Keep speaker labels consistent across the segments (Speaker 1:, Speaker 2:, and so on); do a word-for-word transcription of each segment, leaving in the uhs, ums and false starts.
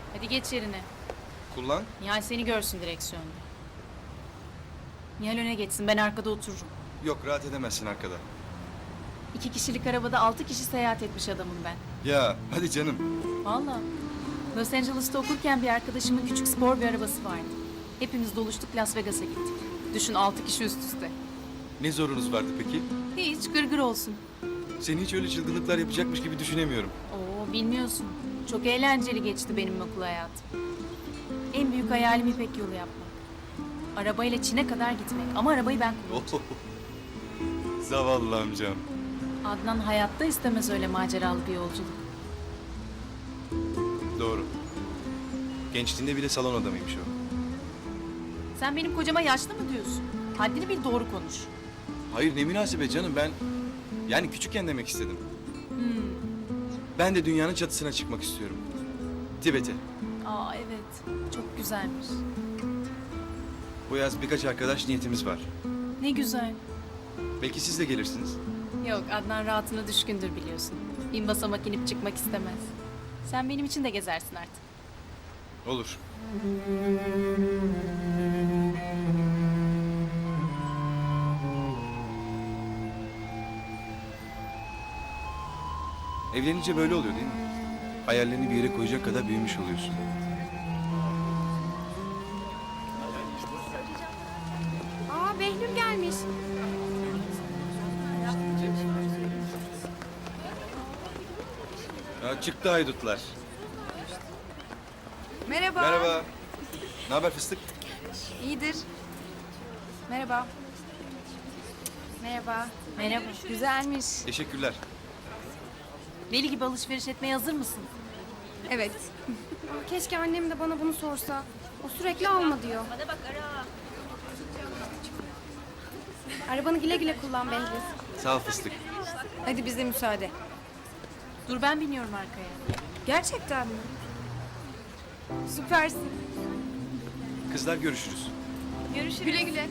Speaker 1: Hadi geç yerine.
Speaker 2: Kullan.
Speaker 1: Nihal seni görsün direksiyonda. Nihal öne geçsin, ben arkada otururum.
Speaker 2: Yok, rahat edemezsin arkada.
Speaker 1: İki kişilik arabada altı kişi seyahat etmiş adamım ben.
Speaker 2: Ya hadi canım.
Speaker 1: Vallahi. Los Angeles'ta okurken bir arkadaşımın küçük spor bir arabası vardı. Hepimiz doluştuk, Las Vegas'a gittik. Düşün, altı kişi üst üste.
Speaker 2: Ne zorunuz vardı peki?
Speaker 1: Hiç gırgır olsun.
Speaker 2: Seni hiç öyle çılgınlıklar yapacakmış gibi düşünemiyorum.
Speaker 1: Oo, bilmiyorsun. Çok eğlenceli geçti benim okul hayatım. En büyük hayalim İpek yolu yapmak. Arabayla Çin'e kadar gitmek. Ama arabayı ben kullanacağım.
Speaker 2: Zavallı amcam.
Speaker 1: Adnan hayatta istemez öyle maceralı bir yolculuk.
Speaker 2: Doğru. Gençliğinde bile salon adamıymış o.
Speaker 1: Sen benim kocama yaşlı mı diyorsun? Haddini bil, doğru konuş.
Speaker 2: Hayır, ne münasebet canım, ben... Yani küçükken demek istedim. Ben de dünyanın çatısına çıkmak istiyorum. Tibet'e.
Speaker 1: Aa evet, çok güzelmiş.
Speaker 2: Bu yaz birkaç arkadaş niyetimiz var.
Speaker 1: Ne güzel.
Speaker 2: Belki siz de gelirsiniz.
Speaker 1: Yok, Adnan rahatına düşkündür biliyorsun. Bin basamak inip çıkmak istemez. Sen benim için de gezersin artık.
Speaker 2: Olur. Evlenince böyle oluyor değil mi? Hayallerini bir yere koyacak kadar büyümüş oluyorsun.
Speaker 3: Aa Behlül gelmiş.
Speaker 2: Ya çıktı haydutlar.
Speaker 3: Merhaba.
Speaker 2: Merhaba. Ne haber fıstık?
Speaker 3: İyidir. Merhaba. Merhaba.
Speaker 1: Merhaba.
Speaker 3: Güzelmiş.
Speaker 2: Teşekkürler.
Speaker 1: Deli gibi alışveriş etmeye hazır mısın?
Speaker 3: Evet. Aa, keşke annem de bana bunu sorsa. O sürekli alma diyor. Bana bak ara. Arabanı güle güle kullan Behlül.
Speaker 2: Sağ ol fıstık.
Speaker 3: Hadi bize müsaade.
Speaker 1: Dur, ben biniyorum arkaya.
Speaker 3: Gerçekten mi? Süpersin.
Speaker 2: Kızlar görüşürüz.
Speaker 1: Görüşürüz.
Speaker 3: Güle güle.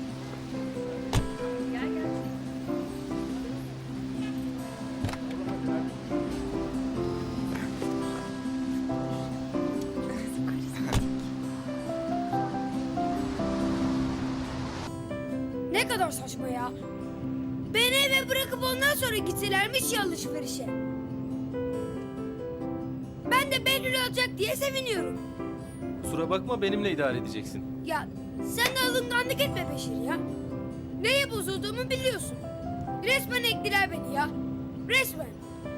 Speaker 4: Ne kadar saçma ya. Beni eve bırakıp ondan sonra gitselermiş ya alışverişe. Ben de Behlül alacak diye seviniyorum.
Speaker 5: Kusura bakma, benimle idare edeceksin.
Speaker 4: Ya sen de alınganlık etme Beşir ya. Neye bozulduğumu biliyorsun. Resmen ektiler beni ya. Resmen.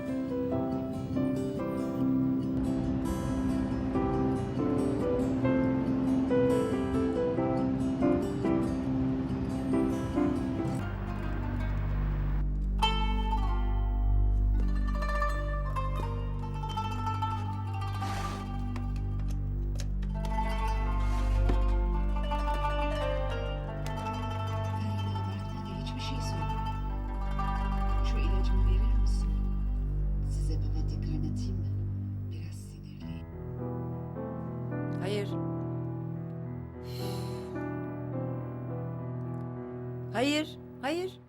Speaker 6: Kendini abartma da hiçbir şey söyle. Şu ilacımı verir misin? Size papatya kaynatayım mı? Biraz sinirliyim.
Speaker 7: Hayır. Hayır, hayır.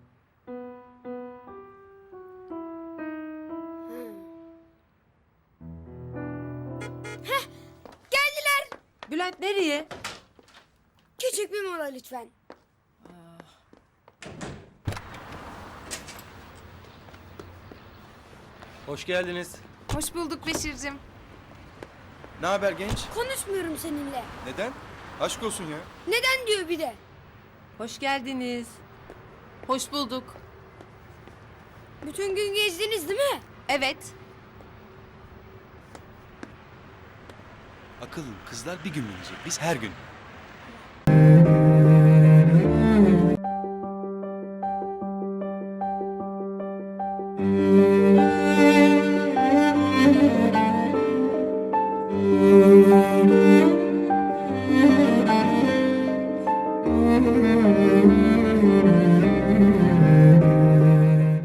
Speaker 4: Geldiler.
Speaker 7: Bülent nereye?
Speaker 4: Küçük bir mola lütfen.
Speaker 5: Hoş geldiniz.
Speaker 3: Hoş bulduk Beşir'cim.
Speaker 2: Ne haber genç?
Speaker 4: Konuşmuyorum seninle.
Speaker 2: Neden? Aşk olsun ya.
Speaker 4: Neden diyor bir de.
Speaker 7: Hoş geldiniz.
Speaker 1: Hoş bulduk.
Speaker 4: Bütün gün gezdiniz değil mi?
Speaker 3: Evet.
Speaker 2: Akıllı kızlar bir gün binecek. Biz her gün.
Speaker 4: Müzik